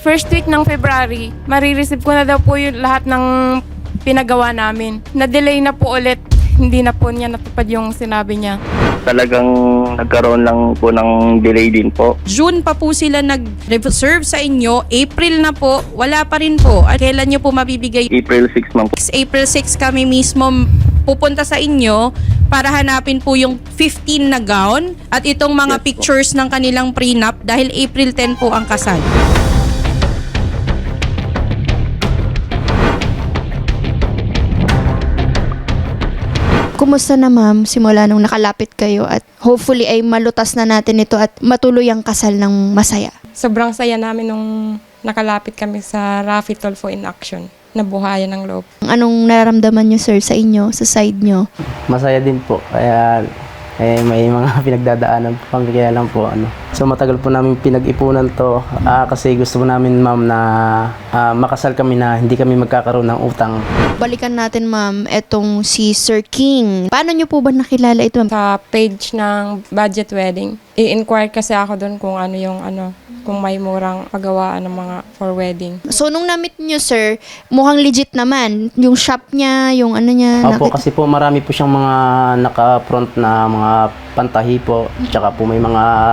First week ng February, marireceive ko na daw po yung lahat ng pinagawa namin. Na-delay na po ulit. Hindi na po niya natupad yung sinabi niya. Talagang nagkaroon lang po ng delay din po. June pa po sila nag-reserve sa inyo. April na po, wala pa rin po. At kailan nyo po mabibigay? April 6 man po. April 6 kami mismo pupunta sa inyo para hanapin po yung 15 na gown at itong mga Yes, po. pictures ng kanilang prenup dahil April 10 po ang kasal. Kumusta na ma'am simula nung nakalapit kayo at hopefully ay malutas na natin ito at matuloy ang kasal ng masaya? Sobrang saya namin nung nakalapit kami sa Rafi Tulfo in action. Nabuhayan ng loob. Anong nararamdaman nyo sir sa inyo, sa side nyo? Masaya din po. Kaya may mga pinagdadaanan po kami kaya lang po So matagal po namin pinag-ipunan to kasi gusto po namin ma'am na makasal kami na hindi kami magkakaroon ng utang. Balikan natin ma'am etong si Sir King. Paano nyo po ba nakilala ito ma'am? Sa page ng budget wedding, i-inquire kasi ako doon kung ano yung kung may murang pagawaan ng mga for wedding. So nung na-meet nyo sir, mukhang legit naman. Yung shop niya, yung ano niya. Opo, kasi po marami po siyang mga naka-front na mga pantahi po. Tsaka po may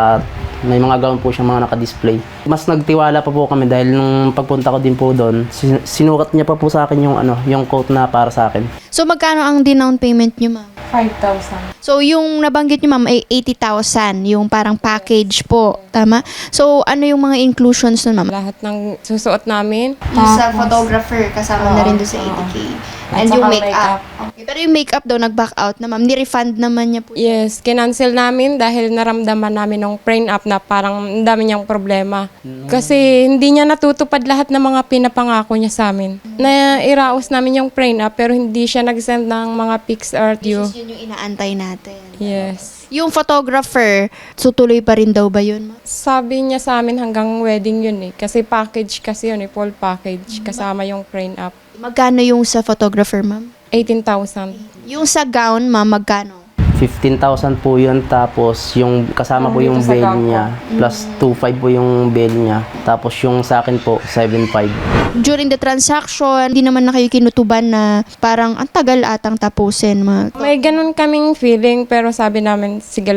mga gown po siyang mga naka-display. Mas nagtiwala pa po kami dahil nung pagpunta ko din po doon, sinukat niya pa po sa akin yung coat na para sa akin. So magkano ang down payment nyo ma'am? 5,000. So yung nabanggit nyo ma'am ay 80,000, yung parang package po. Tama? So ano yung mga inclusions nun ma'am? Lahat ng susuot namin. Yung sa photographer, kasama na rin doon sa 80K. At And yung saka makeup. Okay. Pero yung makeup daw, nag-back out na ma'am. Ni-refund naman niya po. Yes, kinancel namin dahil naramdaman namin nung prenup na parang ang dami niyang problema. Kasi hindi niya natutupad lahat ng mga pinapangako niya sa amin. Na iraos namin yung prenup pero hindi siya nag-send ng mga pics or due. Yun yung inaantay natin. Yes. Yung photographer, tutuloy pa rin daw ba yun ma'am? Sabi niya sa amin hanggang wedding yun eh. Kasi package kasi yun eh, full package. Kasama yung prenup. Magkano yung sa photographer ma'am? 18,000. Yung sa gown ma'am, magkano? 15,000 po yun, tapos yung kasama po yung dito sa bail gown po. niya, plus 2,500 po yung bail niya. Tapos yung sa akin po, 7,500. During the transaction, hindi naman na kayo kinutuban na parang ang tagal atang tapusin mga. May ganun kaming feeling pero sabi namin, sige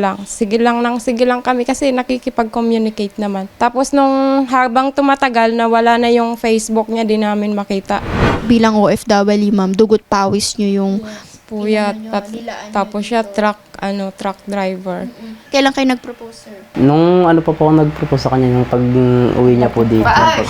lang kami kasi nakikipag-communicate naman. Tapos nung habang tumatagal na wala na yung Facebook niya, di namin makita. Bilang OFW ma'am, dugot pawis nyo yung Puyat, dilaan tapos siya truck driver. kailan kayo nag-propose sir? Nung pa po ako nag-propose sa kanya, yung pag-uwi niya po dito.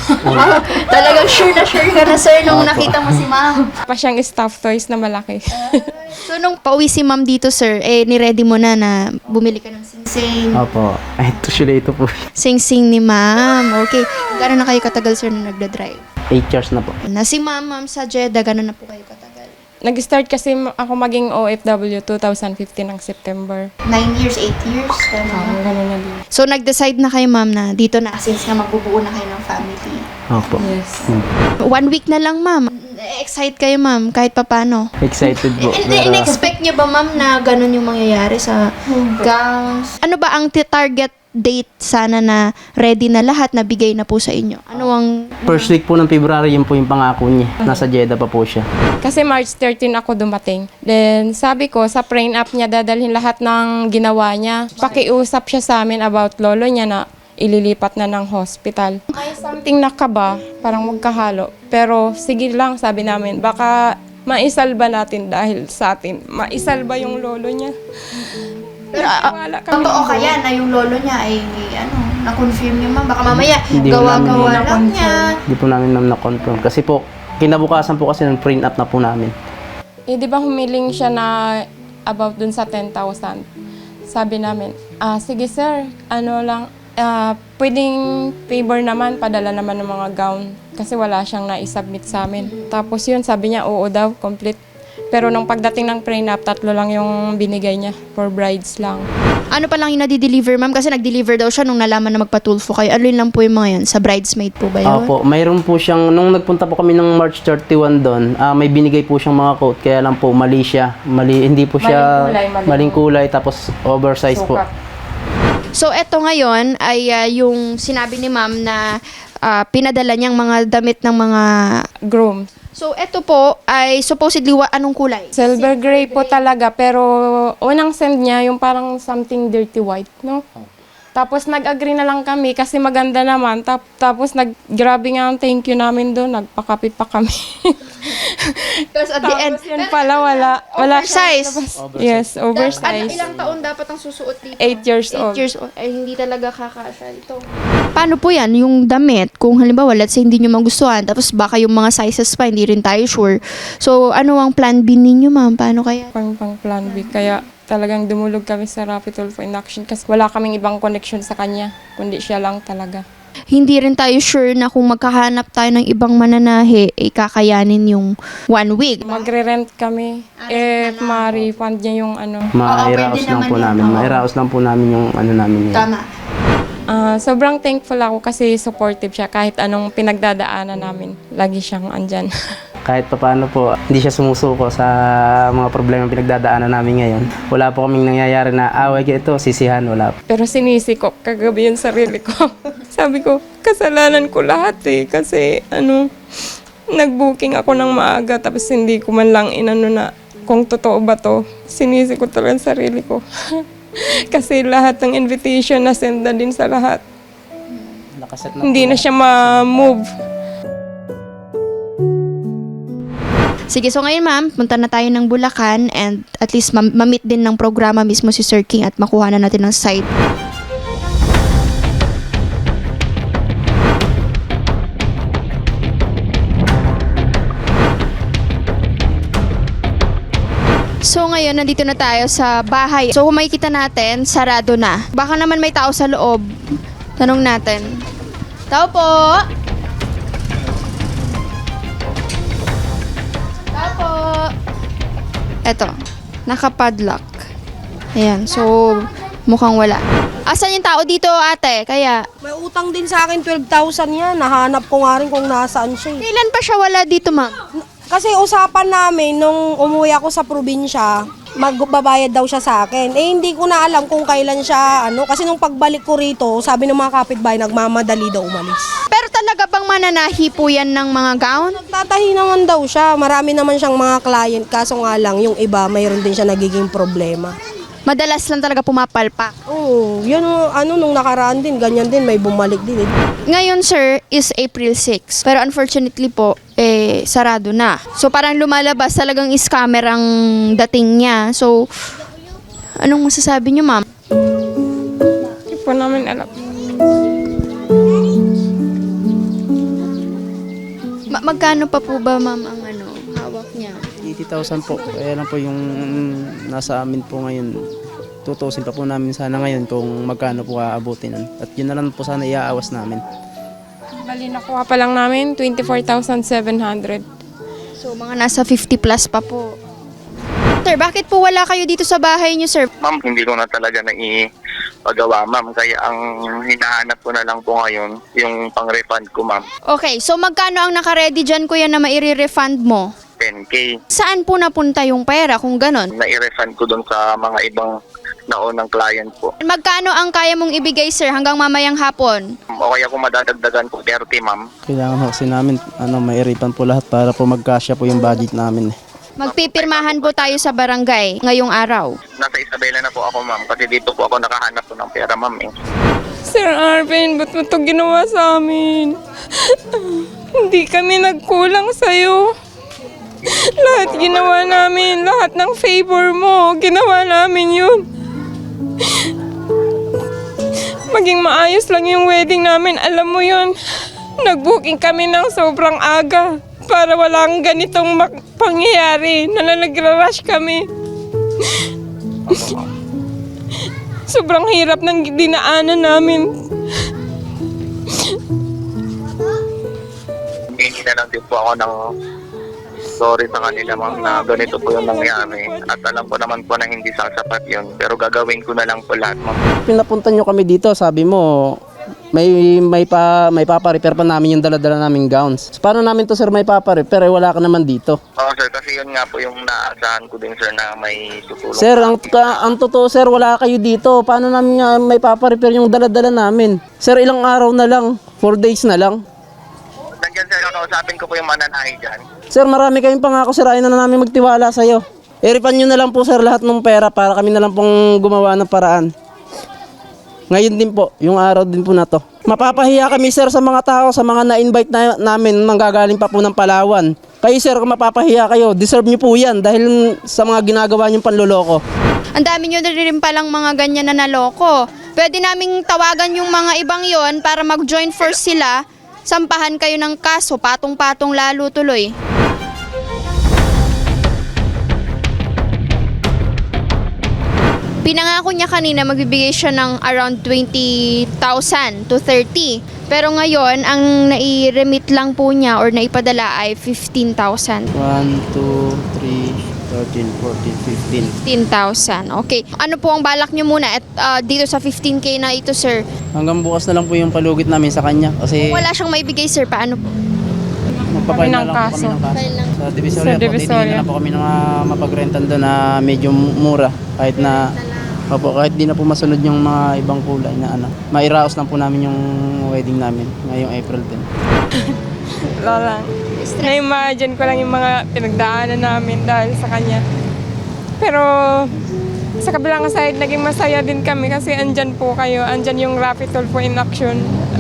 Talagang sure ka na sir nung nakita mo si ma'am. Pa siyang stuffed toys na malaki. So nung pauwi si ma'am dito sir, ni-ready mo na bumili ka ng sing-sing. Opo. Ay, ito po. Sing-sing ni ma'am. Okay. Gano'n na kayo katagal sir na nagda-drive? 8 years na po. Na si ma'am sa Jeddah, gano'n na po kayo katagal? Nag-start kasi ako maging OFW 2015 ng September. 9 years, 8 years? Ganun na din. So nag-decide na kayo ma'am na dito na since nga magbubuo na kayo ng family. Opo. Yes. 1 week na lang ma'am. Excited kayo ma'am kahit papano. Excited po. In-expect niyo ba ma'am na gano'n yung mangyayari sa gowns? Ano ba ang target date sana na ready na lahat na bigay na po sa inyo? Ano ang First week po ng February, yun po yung pangako niya. Nasa Jeddah pa po siya. Kasi March 13 ako dumating. Then sabi ko, sa prenup niya dadalhin lahat ng ginawa niya. Pakiusap siya sa amin about lolo niya na ililipat na ng hospital. May something na kaba, parang magkahalo. Pero sige lang, sabi namin, baka maisalba natin dahil sa atin. Maisalba yung lolo niya. Pero Wala kami. totoo kaya na yung lolo niya ay na-confirm niyo ma'am? Baka mamaya Hindi gawa-gawa namin lang niya. Hindi po namin ma'am na-confirm. Kasi po, kinabukasan po kasi ng print up na po namin. Eh, di ba humiling siya na about dun sa 10,000? Sabi namin, sige sir, pwedeng favor naman, padala naman ng mga gown. Kasi wala siyang na-submit sa amin. Tapos yun, sabi niya, oo daw, complete. Pero nung pagdating ng prenup, 3 lang yung binigay niya for brides lang. Ano pa lang yung nadi-deliver ma'am? Kasi nag-deliver daw siya nung nalaman na magpatulfo kayo. Ano yun lang po yung mga yun? Sa bridesmaid po ba yun? Opo, mayroon po siyang, nung nagpunta po kami ng March 31 doon, may binigay po siyang mga coat, kaya lang po mali siya. Hindi po siya maling kulay, tapos oversize po. Sukat. So eto ngayon ay yung sinabi ni ma'am na pinadala niyang mga damit ng mga... Groom. So, eto po ay supposedly anong kulay? Silver gray po talaga, pero unang send niya yung parang something dirty white, no? Tapos nag-agree na lang kami kasi maganda naman. Tapos grabe nga ang thank you namin doon. Nagpakape pa kami. Tapos at the end, Tapos yun pala, wala oversize. Yes, oversized. Ilang taon dapat ang susuot dito? 8 years 8 old. years old. Ay, hindi talaga kakasya ito. Paano po yan? Yung damit, kung halimbawa, let's say hindi nyo magustuhan, tapos baka yung mga sizes pa, hindi rin tayo sure. So, ano ang plan B ninyo, ma'am? Paano kaya? Pang plan B. Kaya talagang dumulog kami sa Rapid Tulfo in Action kasi wala kaming ibang connection sa kanya, kundi siya lang talaga. Hindi rin tayo sure na kung magkahanap tayo ng ibang mananahe, kakayanin yung 1 week. Magre-rent kami if ma-refund niya yung ano. pwede Mairaos lang naman po yun. namin. Oo. Mairaos lang po namin yung ano namin yun. Tama. Sobrang thankful ako kasi supportive siya kahit anong pinagdadaanan namin. Lagi siyang andyan. Kahit pa paano po, hindi siya sumusuko sa mga problema pinagdadaanan namin ngayon. Wala po kaming nangyayari na away ito, sisihan, wala. Pero sinisi ko kagabi yung sarili ko. Sabi ko, kasalanan ko lahat kasi nag-booking ako ng maaga tapos hindi ko man lang inano na kung totoo ba to. Sinisi ko talaga yung sarili ko. Kasi lahat ng invitation na send na din sa lahat. Nakaset na Hindi po. na siya ma-move. Sige, so ngayon ma'am, punta na tayo ng Bulacan and at least ma-meet din ng programa mismo si Sir King at makuha na natin ng site. So ngayon, nandito na tayo sa bahay. So kung makikita natin, sarado na. Baka naman may tao sa loob. Tanong natin. Tao po! Tao po! Eto, nakapadlock. Ayan, so mukhang wala. Asan yung tao dito, ate? Kaya, May utang din sa akin 12,000 yan. Nahanap ko nga rin kung nasaan siya. kailan pa siya wala dito, ma'am? Kasi usapan namin nung umuwi ako sa probinsya, magbabayad daw siya sa akin. Eh hindi ko na alam kung kailan siya kasi nung pagbalik ko rito, sabi ng mga kapitbahay nagmamadali daw umalis. Pero talaga bang mananahi po yan ng mga gown? Nagtatahi naman daw siya. Marami naman siyang mga client, kaso nga lang yung iba mayroon din siya nagiging problema. Madalas lang talaga pumapalpak. Oo, yan nung nakaraan din, ganyan din, may bumalik din. Ngayon, sir, is April 6. Pero unfortunately po, sarado na. So parang lumalabas talagang scammer ang dating niya. So, anong masasabi niyo, ma'am? Hindi po namin alam. Magkano pa po ba, ma'am, ang hawak niya? 80,000 po. Kaya lang po yung nasa amin po ngayon. Tutusin pa po namin sana ngayon kung magkano po aabutin. At yun na lang po sana iaawas namin. Bali, nakuha pa lang namin 24,700. So, mga nasa 50 plus pa po. Sir, bakit po wala kayo dito sa bahay niyo, sir? Ma'am, hindi ko na talaga naipagawa, ma'am. Kaya ang hinahanap ko na lang po ngayon, yung pang-refund ko, ma'am. Okay, so magkano ang nakaredy dyan, kuya, na maire-refund mo? 10K. Saan po napunta yung pera kung ganon? Na-refund ko doon sa mga ibang naunang client po. Magkano ang kaya mong ibigay, sir, hanggang mamayang hapon? O kaya kung madadagdagan po 30, ma'am. Kailangan po kasi namin mairipan po lahat para po magkasya po yung budget namin. Magpipirmahan po tayo sa barangay ngayong araw. Nasa Isabela na po ako, ma'am. Kasi dito po ako nakahanap po ng pera, ma'am. Sir Arvin, ba't mo ito ginawa sa amin? Hindi kami nagkulang sa'yo. Lahat ginawa namin, lahat ng favor mo, ginawa namin yun. Maging maayos lang yung wedding namin, alam mo yun. Nag-booking kami ng sobrang aga para walang ganitong pangyayari na nagra-rush kami. Sobrang hirap ng dinaanan namin. Hindi na lang din po ako ng sorry sa kanila, ma'am, na ganito po yung nangyari. At alam ko naman po na hindi sasapat yun. Pero gagawin ko na lang po lahat, ma'am. Pinapunta nyo kami dito, sabi mo, may papa-repair pa namin yung dala-dala naming gowns. So, paano namin to, sir, may papa-repair? Wala ka naman dito. Oo, sir. Kasi kasi yun nga po yung naasahan ko din, sir, na may tutulong. Sir, ang totoo sir, wala kayo dito. Paano namin nga may paparepair yung dala-dala namin? Sir, ilang araw na lang, 4 days na lang. Nandiyan, sir, kakausapin ko po yung mananahi dyan. Sir, marami kayong pangako, sir, ayaw na namin magtiwala sa'yo. I-refund nyo na lang po sir lahat ng pera para kami na lang pong gumawa ng paraan. Ngayon din po, yung araw din po na to. Mapapahiya kami sir sa mga tao, sa mga na-invite namin manggagaling pa po ng Palawan. Kayo sir, kung mapapahiya kayo, deserve nyo po yan dahil sa mga ginagawa nyong panloloko. Ang dami nyo na rin palang mga ganyan na naloko. Pwede naming tawagan yung mga ibang yon para mag-join force sila. Sampahan kayo ng kaso, patong-patong lalo tuloy. Pinangako niya kanina magbibigay siya ng around 20,000 to 30. Pero ngayon, ang nai-remit lang po niya or naipadala ay 15,000. 1, 2, 3, 13, 14, 15,000. Okay. Ano po ang balak niyo muna at dito sa 15K na ito, sir? 15. Hanggang bukas na lang po yung palugit namin sa kanya. Kasi Kung wala siyang maibigay, sir, paano po? magpapail na ng lang po kami kaso. ng kaso. File ng- Sa Divisoria Sa po, Divisoria. titingin na lang po kami ng mapagrentan doon na medyo mura. Kahit na, kahit di na po masunod yung mga ibang kulay na ano. Mairaos lang po namin yung wedding namin ngayong April 10. Wala lang. Na-imagine ko lang yung mga pinagdaanan namin dahil sa kanya. Pero sa kabilang side, naging masaya din kami kasi andyan po kayo. Andyan yung Rapid Tulfo in action.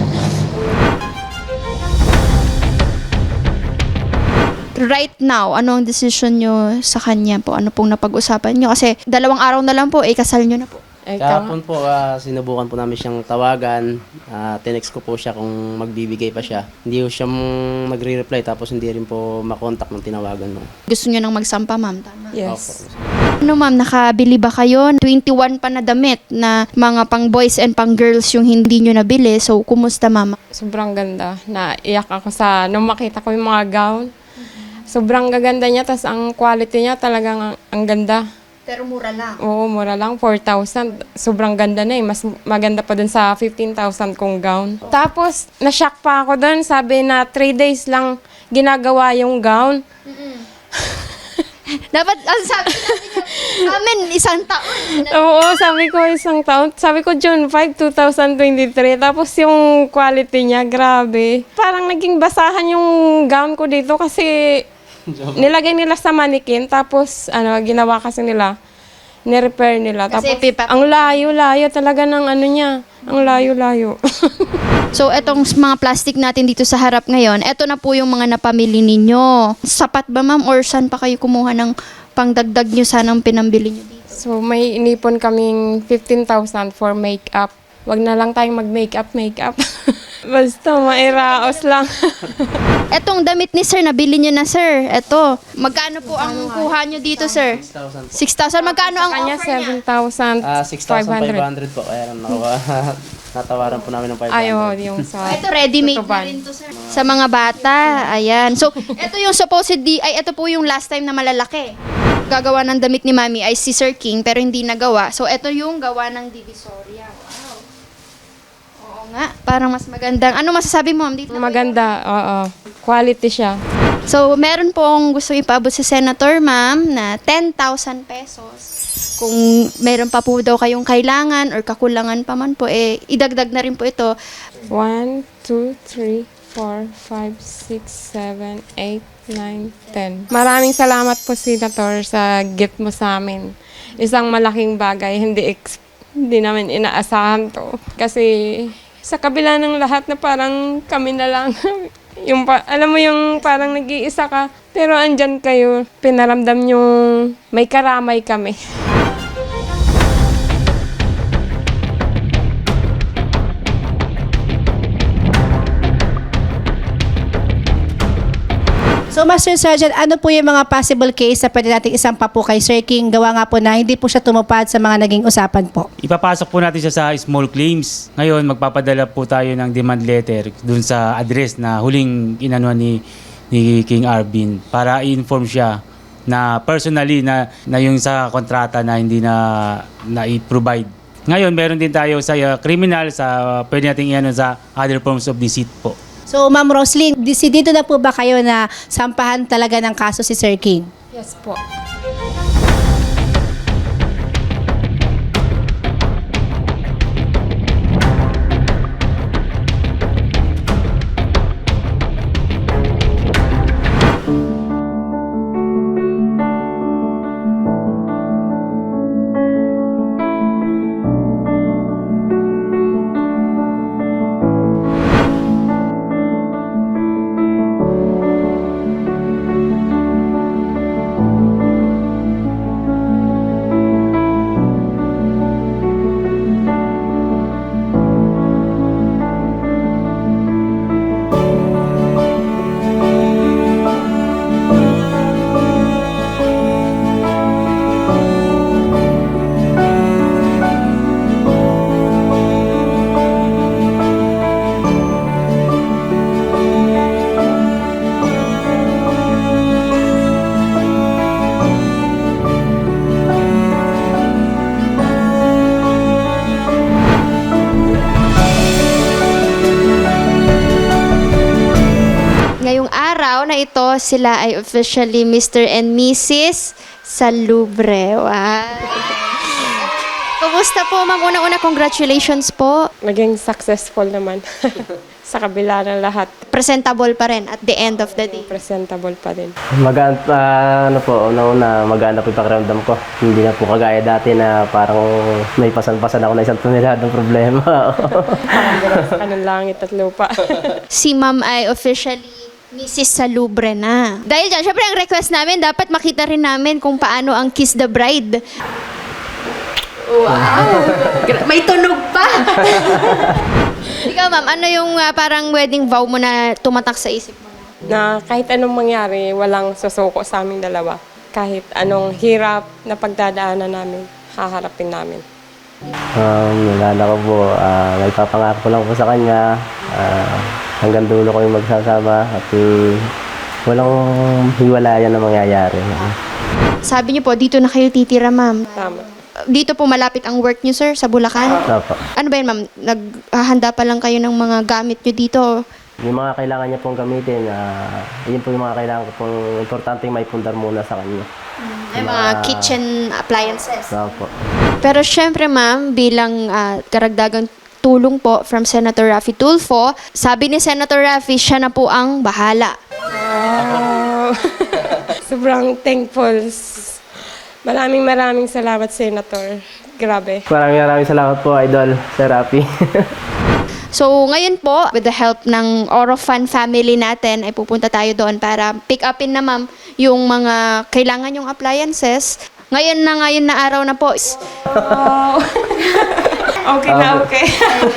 Right now, ano ang decision nyo sa kanya po? Ano pong napag-usapan nyo? Kasi 2 araw na lang po, kasal nyo na po. Ay, Kahapon po, sinubukan po namin siyang tawagan. Tinext ko po siya kung magbibigay pa siya. Hindi po siya magre-reply tapos hindi rin po makontak ng tinawagan mo. Gusto nyo nang magsampa, ma'am? Tama. yes. Ano, ma'am, nakabili ba kayo? 21 pa na damit na mga pang boys and pang girls yung hindi nyo nabili. So, kumusta, ma'am? Sobrang ganda. Naiyak ako nung makita ko yung mga gown. Sobrang gaganda niya, tas ang quality niya talagang ang ganda. Pero mura lang. Oo, mura lang, 4,000. Sobrang ganda na eh. Mas maganda pa dun sa 15,000 kong gown. Tapos, na-shock pa ako dun. Sabi na 3 days lang ginagawa yung gown. Dapat, ang sabi natin amin, 1 taon. Oo, sabi ko isang taon. Sabi ko June 5, 2023. Tapos yung quality niya, grabe. Parang naging basahan yung gown ko dito kasi nilagay nila sa manikin. Tapos ginawa kasi nila, ni-repair nila. Kasi Tapos ang layo-layo talaga ng ano niya. Ang layo-layo. So, etong mga plastic natin dito sa harap ngayon, eto na po yung mga napamili ninyo. Sapat ba, ma'am? Or saan pa kayo kumuha ng pangdagdag nyo sanang pinambili nyo dito? So may inipon kaming 15,000 for makeup. Wag na lang tayong mag-makeup. Basta mairaos lang. Etong damit ni sir, nabili nyo na, sir. Eto. Magkano po ang kuha nyo dito, sir? 6,000 po. 6,000. Magkano ang Kanya offer niya? 7,500. 6,500 po. Kaya natawaran po namin ng 500. Ayaw, yung sa... Ito, ready-made na tutuban. rin to, sir. Sa mga bata. Ayan. So, ito yung supposedly, ito po yung last time na malalaki. Gagawa ng damit ni Mami ay si Sir King, pero hindi nagawa. So, ito yung gawa ng Divisoria. Wow. Oo nga. Parang mas magandang. Ano masasabi mo, ma'am? Dito na po Maganda, oo. Quality siya. So, meron pong gusto ipaabot sa senator, ma'am, na 10,000 pesos. Kung meron pa po daw kayong kailangan or kakulangan pa man po, idagdag na rin po ito. 1, 2, 3, 4, 5, 6, 7, 8, 9, 10. Maraming salamat po, Senator, sa gift mo sa amin. Isang malaking bagay, hindi namin inaasahan to. Kasi sa kabila ng lahat na parang kami na lang, alam mo yung parang nag-iisa ka, pero andyan kayo, pinaramdam yung may karamay kami. So, Master Sergeant, ano po yung mga possible case na pwede nating isampa po kay Sir King? Gawa nga po na hindi po siya tumupad sa mga naging usapan po. Ipapasok po natin siya sa small claims. Ngayon, magpapadala po tayo ng demand letter dun sa address na huling inanuan ni King Arvin para i-inform siya na personally na yung sa kontrata na hindi na i-provide. Ngayon, meron din tayo sa criminal, sa pwede nating iano sa other forms of deceit po. So, Ma'am Roslyn, dito na po ba kayo na sampahan talaga ng kaso si Sir King? Yes po. Ngayong araw na ito, sila ay officially Mr. and Mrs. Salubre. Wow. Kumusta po, ma'am? Una-una, congratulations po. Naging successful naman. Sa kabila ng lahat, Presentable pa rin at the end of the day. presentable pa din. Magaan, ano po, una magaan na po yung pakiramdam ko. Hindi na po kagaya dati na parang may pasan-pasan ako na isang toneladong problema. Sa kanang langit at lupa. Si ma'am ay officially Mrs. Salubre na. Dahil dyan, syempre ang request namin, dapat makita rin namin kung paano ang Kiss the Bride. Wow! May tunog pa! Ikaw ma'am, ano yung parang wedding vow mo na tumatak sa isip mo? Na kahit anong mangyari, walang susuko sa aming dalawa. Kahit anong hirap na pagdadaanan namin, haharapin namin. Nalala ko po, nagpapangako ko lang po sa kanya. Hanggang dulo ko yung magsasama at walang hiwalayan na mangyayari. Sabi niyo po, dito na kayo titira ma'am. Tama. Dito po malapit ang work niyo sir, sa Bulacan? Opo. Ano ba yun ma'am? Naghahanda pa lang kayo ng mga gamit niyo dito? Yung mga kailangan niya pong gamitin, yun po yung mga kailangan ko pong importanteng may pundar muna sa kanya. Ay, mga kitchen appliances. Opo. Pero syempre ma'am, bilang karagdagang tulong po from Senator Raffy Tulfo, sabi ni Senator Raffy, siya na po ang bahala. Wow! Sobrang thankful. Maraming salamat, Senator. Grabe. Maraming salamat po, Idol, Sir Raffy. So ngayon po, with the help ng Orofan family natin, ay pupunta tayo doon para pick upin na ma'am yung mga kailangan yung appliances. Ngayon na araw na po. Wow! Okay na, okay.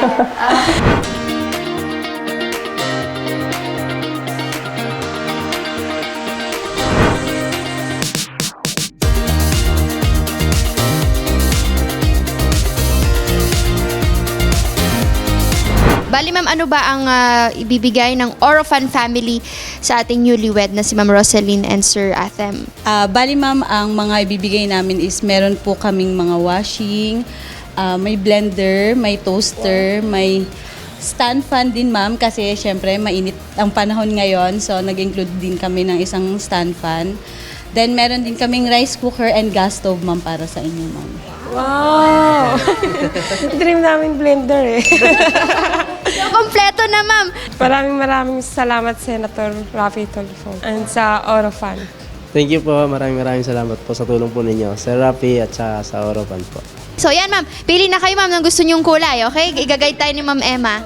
Bali ma'am, ano ba ang ibibigay ng Orofan family sa ating newlywed na si Ma'am Rosaline and Sir Athem? Bali ma'am, ang mga ibibigay namin is meron po kaming mga washing, may blender, may toaster, may stand fan din ma'am kasi syempre mainit ang panahon ngayon, so nag-include din kami ng isang stand fan. Then meron din kaming rice cooker and gas stove ma'am para sa inyo ma'am. Wow! Dream namin blender eh. So, kompleto na ma'am. Maraming salamat, Senator Raffy Tulfo. And sa Orofan. Thank you po. Maraming salamat po sa tulong po ninyo. Sir Raffy at sa Orofan po. So yan ma'am, pili na kayo ma'am ng gusto niyong kulay, okay? Igagay tayo ni Ma'am Emma.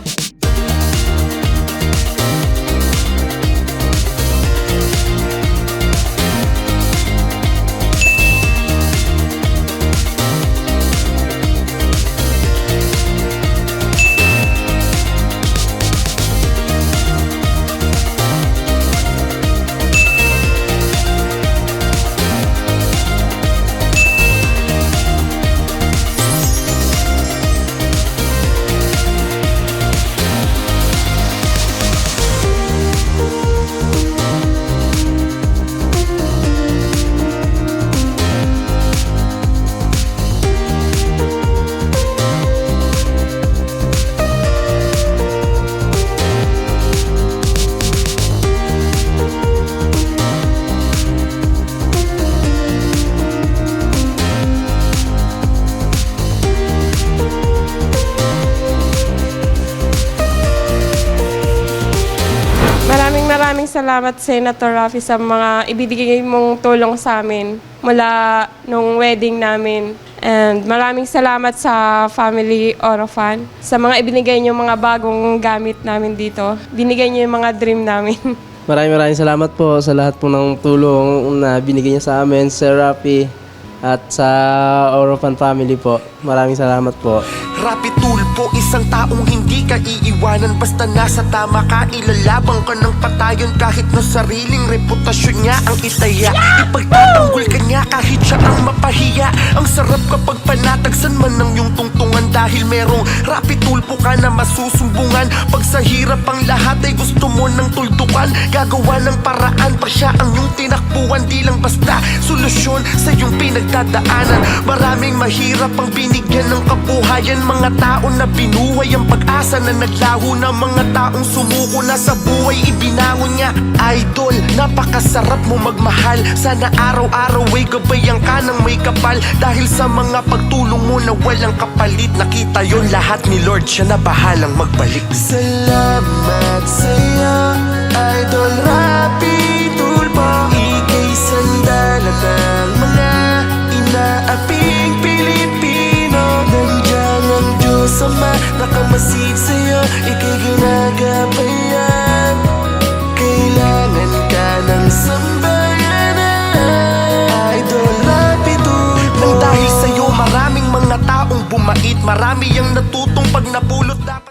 salamat, Senator Raffy, sa mga ibibigay mong tulong sa amin mula nung wedding namin. And maraming salamat sa Family Orofan, sa mga ibinigay niyo mga bagong gamit namin dito. Binigay niyo yung mga dream namin. Maraming salamat po sa lahat po ng tulong na binigay niya sa amin, Sir Rafi, at sa Orofan family po. Maraming salamat po. Rapi Tulpo, isang taong hindi ka iiwanan. Basta nasa tama ka, ilalabang ka ng patayon. Kahit na sariling reputasyon niya ang itaya, ipagtatanggol ka niya kahit siya ang mapahiya. Ang sarap kapag panatagsan man ng iyong tungtungan, dahil merong Rapi Tulpo ka na masusumbungan. Pag sa hirap ang lahat ay gusto mo ng tuldukan, gagawa ng paraan pa siya ang iyong tinakbuhan. Di lang basta solusyon sa iyong pinagdadaanan. Maraming mahirap ang binigyan ng kabuhayan, mga tao na binuhay ang pag-asa na naglaho na, mga taong sumuko na sa buhay ibinangon niya. Idol, napakasarap mo magmahal. Sana araw-araw ay gabayan ka ng may kapal, dahil sa mga pagtulong mo na walang kapalit. Nakita yon lahat ni Lord, siya na bahalang magbalik. Salamat sa'yo, Idol Rapi Tulpo. Ika'y sandalan ng mga inaaping Pilipino. Nandiyan ang Diyos Ama, nakamasid sa'yo, ika'y ginagabayan. Kailangan ka ng sambayanan, Idol Rapi Tulpo. Nang dahil sa'yo maraming mga taong bumait, marami ang natutong pag napulot dapat